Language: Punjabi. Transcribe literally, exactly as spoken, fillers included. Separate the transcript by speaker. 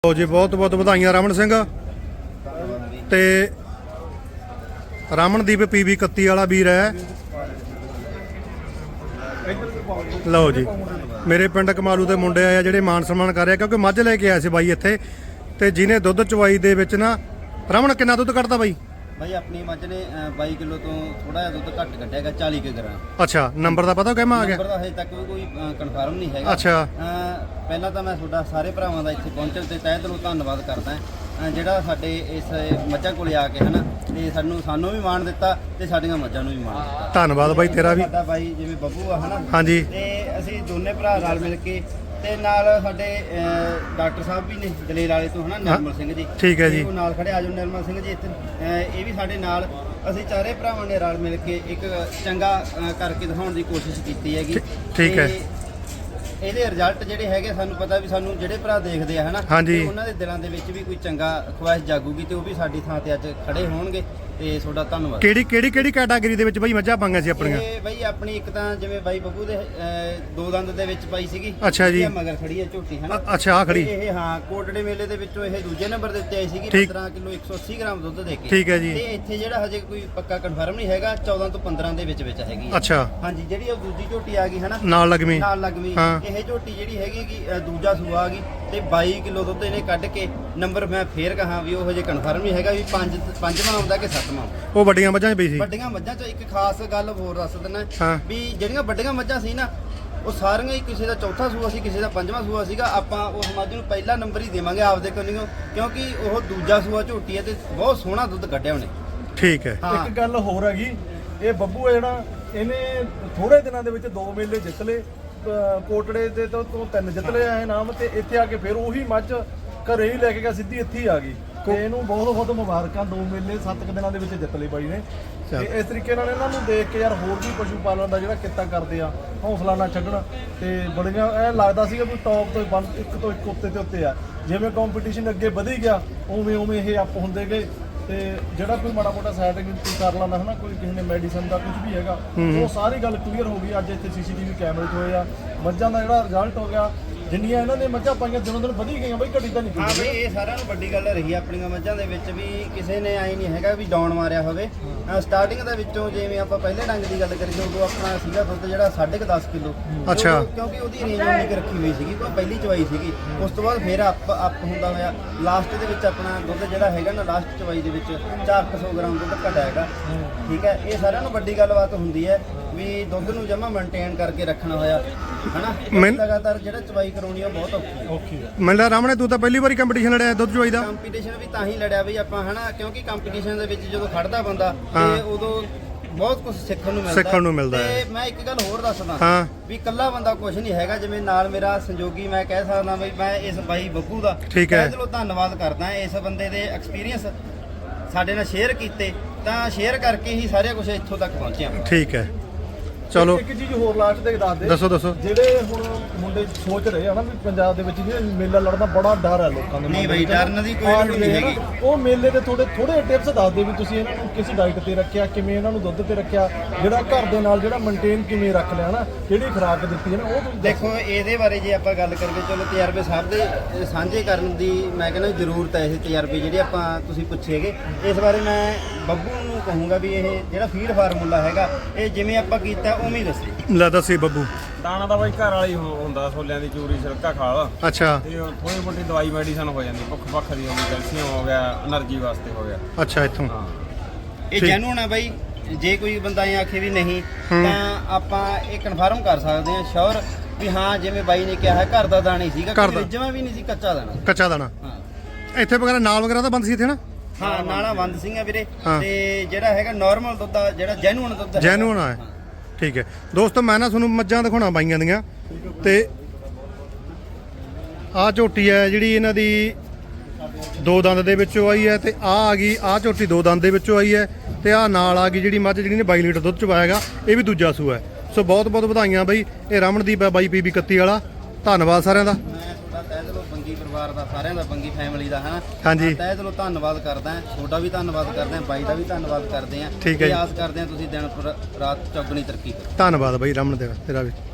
Speaker 1: ਲਓ ਜੀ, ਬਹੁਤ ਬਹੁਤ ਵਧਾਈਆਂ ਰਮਨ ਸਿੰਘ ਤੇ ਰਮਨਦੀਪ ਪੀਵੀ ਇਕੱਤੀ ਵਾਲਾ ਵੀਰ ਹੈ। ਲਓ ਜੀ, ਮੇਰੇ ਪਿੰਡ ਕਮਾਲੂ ਦੇ ਮੁੰਡੇ ਆਏ ਆ ਜਿਹੜੇ ਮਾਨ ਸਨਮਾਨ ਕਰ ਰਹੇ ਕਿਉਂਕਿ ਮੱਝ ਲੈ ਕੇ ਆਏ ਸੀ ਬਾਈ ਇੱਥੇ, ਤੇ ਜਿਹਨੇ ਦੁੱਧ ਚਵਾਈ ਦੇ ਵਿੱਚ ਨਾ ਰਮਨ ਕਿੰਨਾ ਦੁੱਧ ਕੱਢਦਾ ਬਾਈ?
Speaker 2: भाई अपनी मझ ने बाई किलो तो थोड़ा दुध घट कटेगा चालीस के ग्राम।
Speaker 1: अच्छा, नंबर का पता कहमा आ गया?
Speaker 2: नंबर का हजे तक कोई कन्फर्म नहीं है।
Speaker 1: अच्छा,
Speaker 2: पहला तो मैं थोड़ा सारे भरावां दा इत्थे पहुंचण ते तहे दिलों धन्नवाद करदा हां ਜਿਹੜਾ ਸਾਡੇ ਇਸ ਮੱਝਾਂ ਕੋਲੇ ਆ ਕੇ ਹਨਾ ਤੇ ਸਾਨੂੰ ਸਾਨੂੰ ਵੀ ਮਾਣ ਦਿੱਤਾ ਤੇ ਸਾਡੀਆਂ ਮੱਝਾਂ ਨੂੰ ਵੀ ਮਾਣ ਦਿੱਤਾ।
Speaker 1: ਧੰਨਵਾਦ ਬਾਈ ਤੇਰਾ ਵੀ।
Speaker 2: ਸਾਡਾ ਬਾਈ ਜਿਵੇਂ ਬੱਬੂ ਆ ਹਨਾ,
Speaker 1: ਹਾਂਜੀ,
Speaker 2: ਤੇ ਅਸੀਂ ਦੋਨੇ ਭਰਾ ਨਾਲ ਮਿਲ ਕੇ ਤੇ ਨਾਲ ਸਾਡੇ ਡਾਕਟਰ ਸਾਹਿਬ ਵੀ ਨੇ ਜਲੇਲ ਵਾਲੇ ਤੋਂ ਹਨਾ, ਨਿਰਮਲ ਸਿੰਘ ਜੀ।
Speaker 1: ਠੀਕ ਹੈ ਜੀ,
Speaker 2: ਉਹ ਨਾਲ ਖੜੇ ਆ ਜਾਓ ਨਿਰਮਲ ਸਿੰਘ ਜੀ ਇੱਥੇ, ਇਹ ਵੀ ਸਾਡੇ ਨਾਲ। ਅਸੀਂ ਚਾਰੇ ਭਰਾਵਾਂ ਨੇ ਰਲ ਮਿਲ ਕੇ ਇੱਕ ਚੰਗਾ ਕਰਕੇ ਦਿਖਾਉਣ ਦੀ ਕੋਸ਼ਿਸ਼ ਕੀਤੀ ਹੈਗੀ।
Speaker 1: ਠੀਕ ਹੈ।
Speaker 2: ਇਹਦੇ ਰਿਜ਼ਲਟ ਜਿਹੜੇ ਹੈਗੇ ਸਾਨੂੰ ਪਤਾ ਵੀ ਸਾਨੂੰ ਜਿਹੜੇ ਭਰਾ ਦੇਖਦੇ ਆ ਹਨਾ,
Speaker 1: ਹਾਂਜੀ,
Speaker 2: ਉਹਨਾਂ ਦੇ ਦਿਲਾਂ ਦੇ ਵਿੱਚ ਵੀ ਕੋਈ ਚੰਗਾ ਖੁਆਇਸ਼ ਜਾਗੂਗੀ ਤੇ ਉਹ ਵੀ ਸਾਡੀ ਥਾਂ ਤੇ ਅੱਜ ਖੜੇ ਹੋਣਗੇ ਤੇ ਤੁਹਾਡਾ ਧੰਨਵਾਦ।
Speaker 1: ਕਿਹੜੀ ਕਿਹੜੀ ਕਿਹੜੀ ਕੈਟਾਗਰੀ ਦੇ ਵਿੱਚ ਬਾਈ ਮੱਝਾਂ ਪਾਈਆਂ ਸੀ ਆਪਣੀਆਂ?
Speaker 2: ਇਹ ਬਾਈ ਆਪਣੀ ਇੱਕ ਤਾਂ ਜਿਵੇਂ ਬਾਈ ਬੱਬੂ ਦੇ ਦੋ ਦੰਦ ਦੇ ਵਿੱਚ ਪਾਈ ਸੀਗੀ।
Speaker 1: ਅੱਛਾ ਜੀ,
Speaker 2: ਮਗਰ ਖੜੀ ਹੈ ਝੋਟੀ ਹਨਾ।
Speaker 1: ਅੱਛਾ, ਆ ਖੜੀ
Speaker 2: ਇਹ ਹਾਂ ਕੋਟੜੇ ਮੇਲੇ ਦੇ ਵਿੱਚੋਂ ਇਹ ਦੂਜੇ ਨੰਬਰ ਦੇ ਉੱਤੇ ਆਈ ਸੀਗੀ ਪੰਦਰਾਂ ਕਿਲੋ ਇੱਕ ਸੌ ਅੱਸੀ ਗ੍ਰਾਮ ਦੁੱਧ ਦੇ ਕੇ।
Speaker 1: ਠੀਕ ਹੈ ਜੀ।
Speaker 2: ਤੇ ਇੱਥੇ ਜਿਹੜਾ ਹਜੇ ਕੋਈ ਪੱਕਾ ਕਨਫਰਮ ਨਹੀਂ ਹੈਗਾ, ਚੌਦਾਂ ਤੋਂ ਪੰਦਰਾਂ ਦੇ ਵਿੱਚ ਵਿੱਚ ਹੈਗੀ।
Speaker 1: ਅੱਛਾ,
Speaker 2: ਹਾਂਜੀ, ਜਿਹੜੀ ਉਹ ਦੂਜੀ ਝੋਟੀ ਆ ਗਈ ਹਨਾ
Speaker 1: ਨਾਲ ਲੱਗਵੀਂ
Speaker 2: ਨਾਲ ਲੱਗਵੀਂ ਇਹ ਝੋਟੀ ਜਿਹੜੀ ਹੈਗੀ ਕਿ ਦੂਜਾ ਸੂਆ ਆ ਗਈ ਤੇ ਬਾਈ ਕਿਲੋ ਦੁੱਧ ਇਹਨੇ ਕੱਢ ਕੇ ਨੰਬਰ ਮੈਂ ਫੇਰ ਕਹਾਂ ਵੀ ਉਹ ਹਜੇ ਕਨਫਰਮ ਨਹੀਂ ਹੈਗਾ ਵੀ ਪੰਜ ਪੰਜਵਾਂ ਆਉਂਦਾ ਕਿ ਸੱਤਵਾਂ।
Speaker 1: ਉਹ ਵੱਡੀਆਂ ਮੱਝਾਂ 'ਚ ਪਈ ਸੀ।
Speaker 2: ਵੱਡੀਆਂ ਮੱਝਾਂ 'ਚ ਇੱਕ ਖਾਸ ਗੱਲ ਹੋਰ ਦੱਸ ਦਿੰਦਾ ਵੀ ਜਿਹੜੀਆਂ ਵੱਡੀਆਂ ਮੱਝਾਂ ਸੀ ਨਾ ਉਹ ਸਾਰੀਆਂ ਹੀ ਕਿਸੇ ਦਾ ਚੌਥਾ ਸੂਆ ਸੀ, ਕਿਸੇ ਦਾ ਪੰਜਵਾਂ ਸੂਆ ਸੀਗਾ। ਆਪਾਂ ਉਸ ਮੱਝ ਨੂੰ ਪਹਿਲਾ ਨੰਬਰ ਹੀ ਦੇਵਾਂਗੇ ਆਪਦੇ ਕੋਲੋਂ ਕਿਉਂਕਿ ਉਹ ਦੂਜਾ ਸੂਆ ਝੋਟੀ ਹੈ ਤੇ ਬਹੁਤ ਸੋਹਣਾ ਦੁੱਧ ਕੱਢਿਆ ਉਹਨੇ।
Speaker 1: ਠੀਕ ਹੈ।
Speaker 3: ਇੱਕ ਗੱਲ ਹੋਰ ਹੈਗੀ, ਇਹ ਬੱਬੂ ਹੈ ਜਿਹੜਾ ਇਹਨੇ ਥੋੜੇ ਦਿਨਾਂ ਦੇ ਵਿੱਚ ਦੋ ਮੇਲੇ ਜਿੱਤ ਲਏ, ਕੋਟੜੇ ਦੇ ਤੋਂ ਤਿੰਨ ਜਿੱਤ ਲਏ ਆ ਇਨਾਮ, ਤੇ ਇੱਥੇ ਆ ਕੇ ਫਿਰ ਉਹੀ ਮੱਝ ਘਰੇ ਹੀ ਲੈ ਕੇ ਗਿਆ, ਸਿੱਧੀ ਇੱਥੇ ਹੀ ਆ ਗਈ। ਤੇ ਇਹਨੂੰ ਬਹੁਤ ਬਹੁਤ ਮੁਬਾਰਕਾਂ, ਦੋ ਮੇਲੇ ਸੱਤ ਕੁ ਦਿਨਾਂ ਦੇ ਵਿੱਚ ਜਿੱਤ ਲਏ ਬਾਈ ਨੇ। ਤੇ ਇਸ ਤਰੀਕੇ ਨਾਲ ਇਹਨਾਂ ਨੂੰ ਦੇਖ ਕੇ ਯਾਰ ਹੋਰ ਵੀ ਪਸ਼ੂ ਪਾਲਣ ਦਾ ਜਿਹੜਾ ਕਿੱਤਾ ਕਰਦੇ ਆ, ਹੌਸਲਾ ਨਾ ਛੱਡਣ। ਤੇ ਬੜੀਆਂ ਐ ਲੱਗਦਾ ਸੀਗਾ ਵੀ ਟੌਪ ਤੋਂ ਬੰਦ ਇੱਕ ਤੋਂ ਇੱਕ ਉੱਤੇ ਤੇ ਉੱਤੇ ਆ, ਜਿਵੇਂ ਕੰਪੀਟੀਸ਼ਨ ਅੱਗੇ ਵਧੀ ਗਿਆ ਉਵੇਂ ਉਵੇਂ ਇਹ ਅਪ ਹੁੰਦੇ ਗਏ। ਤੇ ਜਿਹੜਾ ਕੋਈ ਮਾੜਾ ਮੋਟਾ ਸਾਈਡ ਕਰ ਲੈਂਦਾ ਹਨਾ, ਕੋਈ ਕਿਸੇ ਨੇ ਮੈਡੀਸਨ ਦਾ ਕੁਝ ਵੀ ਹੈਗਾ, ਉਹ ਸਾਰੀ ਗੱਲ ਕਲੀਅਰ ਹੋ ਗਈ। ਅੱਜ ਇੱਥੇ ਸੀਸੀਟੀਵੀ ਕੈਮਰੇ 'ਚ ਹੋਏ ਆ, ਮੱਝਾਂ ਦਾ ਜਿਹੜਾ ਰਿਜ਼ਲਟ ਹੋ ਗਿਆ, ਜਿੰਨੀਆਂ ਇਹਨਾਂ ਨੇ ਮੱਝਾਂ ਪਾਈਆਂ ਦਿਨੋਂ ਦਿਨ ਵਧੀ ਗਈਆਂ ਬਈ, ਘਟੀ ਤਾਂ ਨਹੀਂ।
Speaker 2: ਹਾਂ ਬਈ, ਇਹ ਸਾਰਿਆਂ ਨੂੰ ਵੱਡੀ ਗੱਲ ਰਹੀ ਆਪਣੀਆਂ ਮੱਝਾਂ ਦੇ ਵਿੱਚ ਵੀ ਕਿਸੇ ਨੇ ਆਈ ਨਹੀਂ ਹੈਗਾ ਵੀ ਡਾਊਨ ਮਾਰਿਆ ਹੋਵੇ। ਸਟਾਰਟਿੰਗ ਦੇ ਵਿੱਚੋਂ ਜਿਵੇਂ ਆਪਾਂ ਪਹਿਲੇ ਡੰਗ ਦੀ ਗੱਲ ਕਰੀਏ ਉਦੋਂ ਆਪਣਾ ਸੀਗਾ ਦੁੱਧ ਜਿਹੜਾ ਸਾਢੇ ਕੁ ਦਸ ਕਿਲੋ।
Speaker 1: ਅੱਛਾ,
Speaker 2: ਕਿਉਂਕਿ ਉਹਦੀ ਰੇਂਜ ਉਨੀ ਰੱਖੀ ਹੋਈ ਸੀਗੀ, ਕੋਈ ਪਹਿਲੀ ਚਵਾਈ ਸੀਗੀ। ਉਸ ਤੋਂ ਬਾਅਦ ਫਿਰ ਅਪ ਅਪ ਹੁੰਦਾ ਹੋਇਆ ਲਾਸਟ ਦੇ ਵਿੱਚ ਆਪਣਾ ਦੁੱਧ ਜਿਹੜਾ ਹੈਗਾ ਨਾ ਲਾਸਟ ਚਵਾਈ ਦੇ ਵਿੱਚ ਚਾਰ ਸੌ ਗ੍ਰਾਮ ਦੁੱਧ ਘਟਿਆ ਹੈਗਾ। ਠੀਕ ਹੈ, ਇਹ ਸਾਰਿਆਂ ਨੂੰ ਵੱਡੀ ਗੱਲਬਾਤ ਹੁੰਦੀ ਹੈ ਵੀ ਦੁੱਧ ਨੂੰ ਜਮਾ ਮੇਨਟੇਨ ਕਰਕੇ ਰੱਖਣਾ ਹੋਇਆ ਹਨਾ। ਲਗਾਤਾਰ ਜਿਹੜਾ ਚਵਾਈ ਕਰਾਉਣੀ ਉਹ ਬਹੁਤ ਔਖੀ ਹੈ।
Speaker 1: ਮੈਨੂੰ ਲੱਗਦਾ ਰਾਮਣੇ ਤੂੰ ਤਾਂ ਪਹਿਲੀ ਵਾਰੀ ਕੰਪੀਟੀਸ਼ਨ ਲੜਿਆ ਦੁੱਧ ਚਵਾਈ ਦਾ?
Speaker 2: ਕੰਪੀਟੀਸ਼ਨ ਵੀ ਤਾਂ ਹੀ ਲੜਿਆ ਬਈ ਆਪਾਂ ਹਨਾ, ਕਿਉਂਕਿ ਕੰਪੀਟੀਸ਼ਨ ਦੇ ਵਿੱਚ ਜਦੋਂ ਖੜਦਾ ਬੰਦਾ ਤੇ ਉਦੋਂ ਬਹੁਤ ਕੁਝ ਸਿੱਖਣ ਨੂੰ ਮਿਲਦਾ
Speaker 1: ਸਿੱਖਣ ਨੂੰ ਮਿਲਦਾ
Speaker 2: ਤੇ ਮੈਂ ਇੱਕ ਗੱਲ ਹੋਰ ਦੱਸਦਾ
Speaker 1: ਹਾਂ
Speaker 2: ਵੀ ਇਕੱਲਾ ਬੰਦਾ ਕੁਝ ਨਹੀਂ ਹੈਗਾ। ਜਿਵੇਂ ਨਾਲ ਮੇਰਾ ਸੰਯੋਗੀ ਮੈਂ ਕਹਿ ਸਕਦਾ ਬਈ ਮੈਂ ਇਸ ਬਾਈ ਬੱਬੂ ਦਾ
Speaker 1: ਠੀਕ ਹੈ
Speaker 2: ਦਿਲੋਂ ਧੰਨਵਾਦ ਕਰਦਾ। ਇਸ ਬੰਦੇ ਦੇ ਐਕਸਪੀਰੀਅੰਸ ਸਾਡੇ ਨਾਲ ਸ਼ੇਅਰ ਕੀਤੇ ਤਾਂ ਸ਼ੇਅਰ ਕਰਕੇ ਹੀ ਸਾਰਾ ਕੁਝ ਇੱਥੋਂ ਤੱਕ ਪਹੁੰਚਿਆ।
Speaker 1: ਠੀਕ ਹੈ, ਚਲੋ
Speaker 3: ਇੱਕ ਚੀਜ਼ ਹੋਰ ਲਾਸਟ ਤੇ ਦੱਸ ਦੇ।
Speaker 1: ਦੱਸੋ ਦੱਸੋ।
Speaker 3: ਜਿਹੜੇ ਹੁਣ ਮੁੰਡੇ ਸੋਚ ਰਹੇ ਆ ਨਾ ਵੀ ਪੰਜਾਬ ਦੇ ਵਿੱਚ ਜਿਹੜਾ ਮੇਲਾ ਲੜਨਾ ਬੜਾ ਡਰ ਹੈ ਲੋਕਾਂ ਦੇ।
Speaker 2: ਨਹੀਂ ਬਈ, ਡਰਨ ਦੀ ਕੋਈ ਲੋੜ ਨਹੀਂ ਹੈਗੀ।
Speaker 3: ਉਹ ਮੇਲੇ ਦੇ ਥੋੜੇ ਥੋੜੇ ਟਿਪਸ ਦੱਸ ਦੇ ਵੀ ਤੁਸੀਂ ਇਹਨਾਂ ਨੂੰ ਕਿਸ ਡਾਈਟ ਤੇ ਰੱਖਿਆ, ਕਿਵੇਂ ਇਹਨਾਂ ਨੂੰ ਦੁੱਧ ਤੇ ਰੱਖਿਆ, ਜਿਹੜਾ ਘਰ ਦੇ ਨਾਲ ਜਿਹੜਾ ਮੇਨਟੇਨ ਕਿਵੇਂ ਰੱਖ ਲਿਆ ਨਾ, ਕਿਹੜੀ ਖੁਰਾਕ ਦਿੱਤੀ ਹੈ ਨਾ, ਉਹ
Speaker 2: ਦੇਖੋ। ਇਹਦੇ ਬਾਰੇ ਜੇ ਆਪਾਂ ਗੱਲ ਕਰੀਏ, ਚਲੋ ਤਜਰਬੇ ਸਭ ਦੇ ਸਾਂਝੇ ਕਰਨ ਦੀ ਮੈਂ ਕਹਿੰਦਾ ਜ਼ਰੂਰਤ ਹੈ। ਇਹ ਤਜਰਬੇ ਜਿਹੜੇ ਆਪਾਂ ਤੁਸੀਂ ਪੁੱਛੇਗੇ, ਇਸ ਬਾਰੇ ਮੈਂ ਬੱਬੂ ਨੂੰ ਕਹੂੰਗਾ ਵੀ ਇਹ ਜਿਹੜਾ ਫੀਡ ਫਾਰਮੂਲਾ ਹੈਗਾ ਇਹ ਜਿਵੇਂ ਆਪਾਂ ਕੀਤਾ ਉਵੇਂ ਹੀ ਦੱਸੀ।
Speaker 1: ਲੈ ਦੱਸੀ ਬੱਬੂ।
Speaker 4: ਦਾਣਾ ਤਾਂ ਬਾਈ ਘਰ ਵਾਲੀ ਹੁੰਦਾ, ਛੋਲਿਆਂ ਦੀ ਚੂਰੀ, ਛਿਲਕਾ ਖਾਲ।
Speaker 1: ਅੱਛਾ,
Speaker 4: ਤੇ ਥੋੜੀ ਮੋਟੀ ਦਵਾਈ ਮੈਡੀਸਨ ਹੋ ਜਾਂਦੀ, ਭੁੱਖ ਭੱਖ ਦੀ ਹੋ ਗਈ, ਕੈਲਸ਼ੀਅਮ ਹੋ ਗਿਆ, એનર્ਜੀ ਵਾਸਤੇ ਹੋ ਗਿਆ।
Speaker 1: ਅੱਛਾ, ਇੱਥੋਂ
Speaker 4: ਹਾਂ
Speaker 2: ਇਹ ਜੈਨੂਨ ਹੈ ਬਾਈ। ਜੇ ਕੋਈ ਬੰਦਾ ਇਹ ਆਖੇ ਵੀ ਨਹੀਂ ਤਾਂ ਆਪਾਂ ਇਹ ਕਨਫਰਮ ਕਰ ਸਕਦੇ ਹਾਂ ਸ਼ੋਰ ਵੀ ਹਾਂ ਜਿਵੇਂ ਬਾਈ ਨੇ ਕਿਹਾ ਹੈ ਘਰ ਦਾ ਦਾਣਾ ਹੀ ਸੀਗਾ, ਕੋਈ ਜਮਾਂ ਵੀ ਨਹੀਂ ਸੀ ਕੱਚਾ ਦਾਣਾ।
Speaker 1: ਕੱਚਾ ਦਾਣਾ
Speaker 2: ਹਾਂ।
Speaker 1: ਇੱਥੇ ਵਗੈਰਾ ਨਾਲ ਵਗੈਰਾ ਤਾਂ ਬੰਦ ਸੀ ਇੱਥੇ ਨਾ?
Speaker 2: ਹਾਂ, ਨਾਲਾ ਬੰਦ ਸਿੰਘਾ ਵੀਰੇ। ਤੇ ਜਿਹੜਾ ਹੈਗਾ ਨਾਰਮਲ ਦੁੱਧ ਆ, ਜਿਹੜਾ ਜੈਨੂਨ ਦੁੱਧ ਹੈ।
Speaker 1: ਜੈਨੂਨ ਆ। ਠੀਕ ਹੈ ਦੋਸਤੋ, ਮੈਂ ਨਾ ਤੁਹਾਨੂੰ ਮੱਝਾਂ ਦਿਖਾਉਣਾ ਬਾਈਆਂ ਦੀਆਂ। ਤੇ ਆਹ ਝੋਟੀ ਹੈ ਜਿਹੜੀ ਇਹਨਾਂ ਦੀ ਦੋ ਦੰਦ ਦੇ ਵਿੱਚੋਂ ਆਈ ਹੈ, ਤੇ ਆਹ ਆ ਗਈ ਆਹ ਝੋਟੀ ਦੋ ਦੰਦ ਦੇ ਵਿੱਚੋਂ ਆਈ ਹੈ, ਤੇ ਆਹ ਨਾਲ ਆ ਗਈ ਜਿਹੜੀ ਮੱਝ ਜਿਹੜੀ ਨੇ ਬਾਈ ਲੀਟਰ ਦੁੱਧ ਚਵਾਇਆਗਾ, ਇਹ ਵੀ ਦੂਜਾ ਸੂਆ ਹੈ। ਸੋ ਬਹੁਤ ਬਹੁਤ ਵਧਾਈਆਂ ਬਾਈ। ਇਹ ਰਮਨਦੀਪ ਹੈ ਬਾਈ ਪੀਬੀ ਇਕੱਤੀ ਵਾਲਾ। ਧੰਨਵਾਦ ਸਾਰਿਆਂ ਦਾ।
Speaker 2: ਮੈਂ ਤੁਹਾਡਾ ਤਹਿ ਦਿਲੋਂ ਬੰਗੀ ਪਰਿਵਾਰ ਦਾ, ਸਾਰਿਆਂ ਦਾ, ਬੰਗੀ ਫੈਮਿਲੀ ਦਾ ਹਨਾ,
Speaker 1: ਹਾਂਜੀ,
Speaker 2: ਤਹਿ ਦਿਲੋਂ ਧੰਨਵਾਦ ਕਰਦਾ। ਤੁਹਾਡਾ ਵੀ ਧੰਨਵਾਦ ਕਰਦੇ ਆ, ਬਾਈ ਦਾ ਵੀ ਧੰਨਵਾਦ ਕਰਦੇ ਆ।
Speaker 1: ਠੀਕ ਹੈ ਜੀ।
Speaker 2: ਆਸ ਕਰਦੇ ਆ ਤੁਸੀਂ ਦਿਨ ਰਾਤ ਚੌਗਣੀ ਤਰੱਕੀ ਕਰੋ।
Speaker 1: ਧੰਨਵਾਦ ਬਾਈ ਰਮਨ ਤੇਰਾ ਤੇਰਾ ਵੀ।